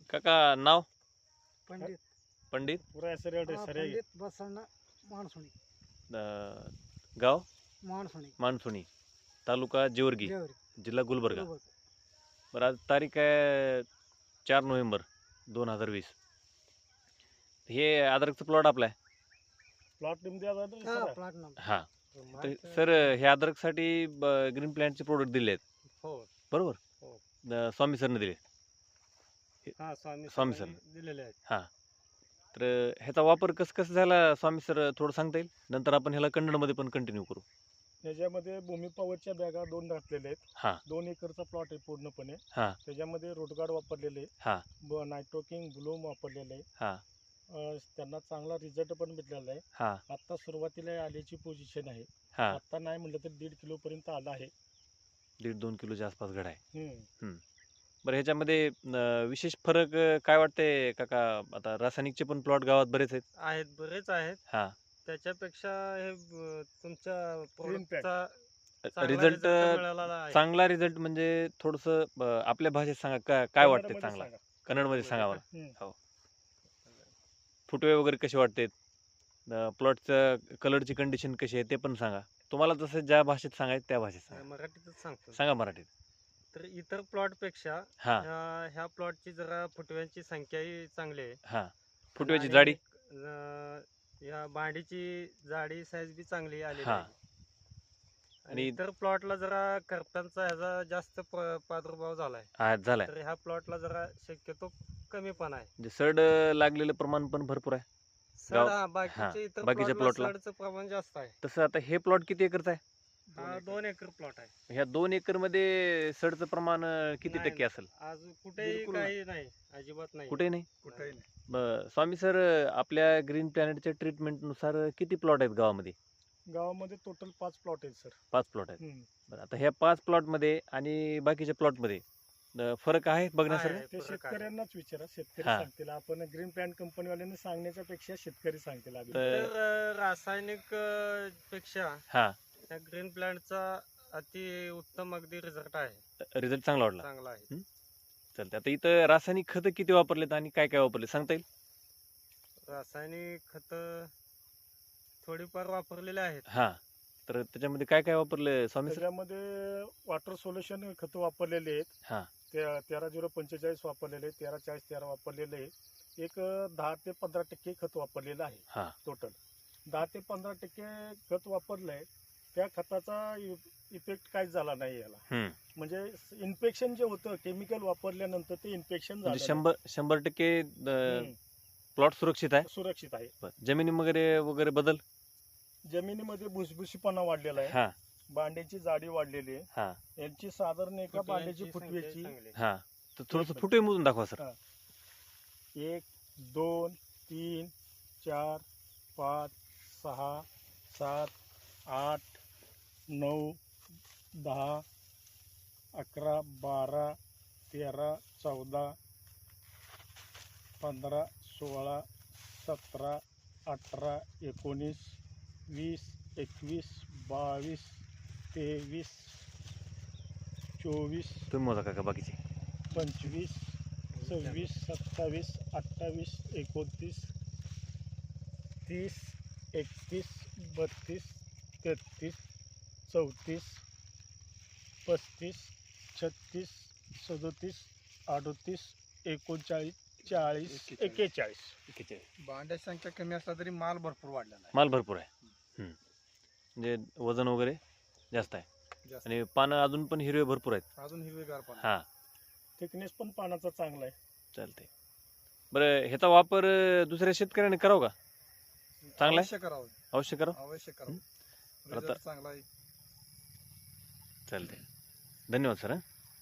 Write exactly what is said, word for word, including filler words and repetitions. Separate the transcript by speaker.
Speaker 1: काका नाव
Speaker 2: पंडित
Speaker 1: पंडित
Speaker 3: पुरा सरळ
Speaker 2: हा,
Speaker 3: सरे
Speaker 2: पंडित बसवण्ण मानसुणी
Speaker 1: अं, गाव
Speaker 2: मानसुणी
Speaker 1: मानसुणी तालुका जेवर्गी
Speaker 2: जेवरी
Speaker 1: जिल्हा गुलबर्गा.
Speaker 2: बरोबर.
Speaker 1: बरं आज तारीख आहे चार नोव्हेंबर दोन हजार वीस. हे अद्रकचं प्लॉट आपला आहे.
Speaker 3: प्लॉट मध्ये आता
Speaker 2: हा
Speaker 3: सर
Speaker 2: प्लॉट नंबर
Speaker 1: हां तर सर हे अद्रकसाठी ग्रीन प्लॅन्टचे प्रोडक्ट दिले आहेत
Speaker 3: हो
Speaker 1: बरोबर.
Speaker 3: हो.
Speaker 1: अं, स्वामी सरने दिले.
Speaker 3: हा स्वामी
Speaker 1: स्वामी
Speaker 3: सरांनी दिलेले आहेत.
Speaker 1: हां तर ह्याचा वापर कसं कसं झाला स्वामी सर थोडं सांगता येईल. नंतर आपण ह्याला कन्नडमध्ये पण कंटिन्यू करू.
Speaker 3: त्याच्यामध्ये भूमी पॉवरच्या बॅगा दोन घातलेल्या आहेत.
Speaker 1: हां
Speaker 3: दोन एकरचा प्लॉट आहे पूर्णपणे.
Speaker 1: हां
Speaker 3: त्याच्यामध्ये रोटगार्ड वापरलेले आहे.
Speaker 1: हां
Speaker 3: ब नायट्रोकिंग ब्लूम वापरलेलं आहे.
Speaker 1: हां
Speaker 3: अं, त्यांना चांगला रिझल्ट पण भेटलेला आहे.
Speaker 1: हां
Speaker 3: आता सुरुवातीला आल्याची पोझिशन आहे.
Speaker 1: हां
Speaker 3: आता नाही म्हटलं तर दीड किलो पर्यंत आला आहे.
Speaker 1: दीड दोन किलोच्या आसपास घड आहे.
Speaker 3: हम्म.
Speaker 1: बरं ह्याच्यामध्ये अं, विशेष फरक अं, काय वाटते काका. आता रासायनिकचे पण प्लॉट गावात बरेच आहेत.
Speaker 4: आहेत बरेच आहेत.
Speaker 1: हां
Speaker 4: त्याच्यापेक्षा हे ब- तुमच्या
Speaker 3: Green Pack.
Speaker 4: प्रोडक्टचा चांगला
Speaker 1: रिझल्ट
Speaker 4: result मिळालेला आहे.
Speaker 1: चांगला रिझल्ट म्हणजे थोडंसं अं, आपल्या भाषेत सांगा काय काय वाटते
Speaker 3: कन्नडमध्ये
Speaker 1: चांगला.
Speaker 3: सांगा.
Speaker 1: कन्नडमध्ये सांगा मला.
Speaker 3: हम्म.
Speaker 1: फुटवे वगैरे कसे वाटते. प्लॉटचं कलरची कंडिशन कशी आहे ते पण सांगा. तुम्हाला जसं ज्या भाषेत सांगायचं त्या भाषेत सांगा.
Speaker 4: मराठीतच सांगतो.
Speaker 1: सांगा मराठीत.
Speaker 4: तर इतर प्लॉट पेक्षा
Speaker 1: हां
Speaker 4: ह्या ह्या प्लॉटची जरा फुटव्यांची संख्याही चांगली आहे.
Speaker 1: हां फुटव्याची
Speaker 4: आणि,
Speaker 1: जाडी.
Speaker 4: अं, या बांडीची जाडी साईज बी चांगली आलेली
Speaker 1: हां.
Speaker 4: आहे. आणि
Speaker 1: आणि-
Speaker 4: इतर प्लॉटला जरा करप्यांचा ह्याचा जास्त प- प्रादुर्भाव झालाय.
Speaker 1: हा झालाय.
Speaker 4: तर ह्या प्लॉटला जरा शक्यतो कमी पण आहे.
Speaker 1: म्हणजे सड लागलेलं प्रमाण पण भरपूर आहे.
Speaker 4: सड
Speaker 1: गाव-
Speaker 4: हा बाकीच्या इतर
Speaker 1: बाकीच्या
Speaker 4: प्लॉटला
Speaker 1: plotला.
Speaker 4: सडचं प्रमाण जास्त आहे.
Speaker 1: तसं आता हे प्लॉट किती एकरचा आहे.
Speaker 4: हा दोन एकर प्लॉट आहे.
Speaker 1: ह्या दोन एकर मध्ये सडचं प्रमाण अं, किती
Speaker 4: नाही,
Speaker 1: टक्के असेल.
Speaker 4: आज कुठेही
Speaker 3: बिलकुल
Speaker 4: काही नाही, अजिबात नाही.
Speaker 1: कुठेही नाही.
Speaker 3: कुठेही नाही.
Speaker 1: ब- स्वामी सर आपल्या ग्रीन प्लॅनेटच्या ट्रीटमेंटनुसार किती प्लॉट आहेत गावामध्ये.
Speaker 3: गावामध्ये टोटल पाच प्लॉट आहेत सर.
Speaker 1: पाच प्लॉट आहेत.
Speaker 3: हम्म.
Speaker 1: बरं आता ह्या पाच प्लॉटमध्ये आणि बाकीच्या प्लॉटमध्ये अं, फरक आहे बघण्यासारखं.
Speaker 4: आहे.
Speaker 3: ते
Speaker 4: फरक आहे.
Speaker 3: शेतकऱ्यांनाच विचारा. शेतकरी
Speaker 1: हा.
Speaker 3: सांगतील. आपण ग्रीन प्लॅन कंपनीवाल्यांनी सांगण्याच्या पेक्षा शेतकरी सांगतील आधी.
Speaker 1: तर-
Speaker 4: तर अं, रासायनिक अं, पेक्षा
Speaker 1: हां
Speaker 4: या ग्रीन प्लांटचा अति उत्तम अगदी रिझल्ट आहे.
Speaker 1: रिझल्ट चांगला वाटला.
Speaker 4: चांगला आहे.
Speaker 1: चालतं आता इथं रासायनिक खतं किती वापरलेत आणि काय काय वापरले सांगता येईल.
Speaker 4: रासायनिक खत थोडीफार वापरलेले आहेत.
Speaker 1: हां तर त्याच्यामध्ये काय काय वापरलं स्वामी सर.
Speaker 3: त्याच्यामध्ये वॉटर सोल्युशन खत वापरलेले आहेत.
Speaker 1: हां
Speaker 3: ते तेरा झिरो पंचेचाळीस वापरलेले आहे. तेरा चाळीस तेरा वापरलेले आहे. एक अं, दहा ते पंधरा टक्के खत वापरलेलं आहे
Speaker 1: हां
Speaker 3: टोटल. दहा ते पंधरा टक्के खत वापरलंय. त्या खताचा इफेक्ट काहीच झाला नाही याला.
Speaker 1: हम्म.
Speaker 3: म्हणजे इन्फेक्शन जे होतं केमिकल वापरल्यानंतर ते इन्फेक्शन
Speaker 1: म्हणजे
Speaker 3: झालं
Speaker 1: शंभर शंभर टक्के
Speaker 3: नाही. हम्म.
Speaker 1: प्लॉट सुरक्षित आहे.
Speaker 3: सुरक्षित आहे.
Speaker 1: बरं. जमिनी वगैरे वगैरे बदल.
Speaker 3: जमिनीमध्ये भुसभुशीपणा वाढलेला आहे.
Speaker 1: हां
Speaker 3: बांड्याची जाडी वाढलेली आहे.
Speaker 1: हां
Speaker 3: यांची साधारण एका बांड्याची
Speaker 4: फुटव्यांची
Speaker 3: फुटवेची
Speaker 4: संख्या चांगली आहे.
Speaker 1: हां तर थोडंसं
Speaker 3: एक-
Speaker 1: फुटवे मोजून दाखवा सर.
Speaker 3: हां. एक दोन तीन चार पाच सहा सात आठ नऊ दहा अकरा बारा तेरा चौदा पंधरा सोळा सतरा अठरा एकोणीस वीस एकवीस बावीस तेवीस चोवीस
Speaker 1: तुम्ही मोजा काका बाकीचे.
Speaker 3: पंचवीस सव्वीस सत्तावीस अठ्ठावीस एकोणतीस तीस एकतीस बत्तीस तेहतीस चौतीस पस्तीस छत्तीस सदोतीस अडोतीस एकोणचाळीस चाळीस एक्केचाळीस.
Speaker 2: बांड्याची संख्या कमी असला तरी माल भरपूर वाढलेला आहे.
Speaker 1: माल भरपूर आहे. हम्म. म्हणजे वजन वगैरे जास्त आहे
Speaker 2: जास्त.
Speaker 1: आणि पानं अजून पण हिरवे भरपूर आहेत.
Speaker 2: अजून हिरवेगार पण
Speaker 1: हां
Speaker 3: थिकनेस पण पानाचा चांगला आहे.
Speaker 1: चालते. बरं ह्याचा वापर अं, दुसऱ्या शेतकऱ्याने करावं का. चांगला आहे.
Speaker 2: अवश्य करावं.
Speaker 1: अवश्य करावं.
Speaker 2: अवश्य करावं.
Speaker 1: आता-
Speaker 2: रिझल्ट चांगला आहे.
Speaker 1: चालते. धन्यवाद सर.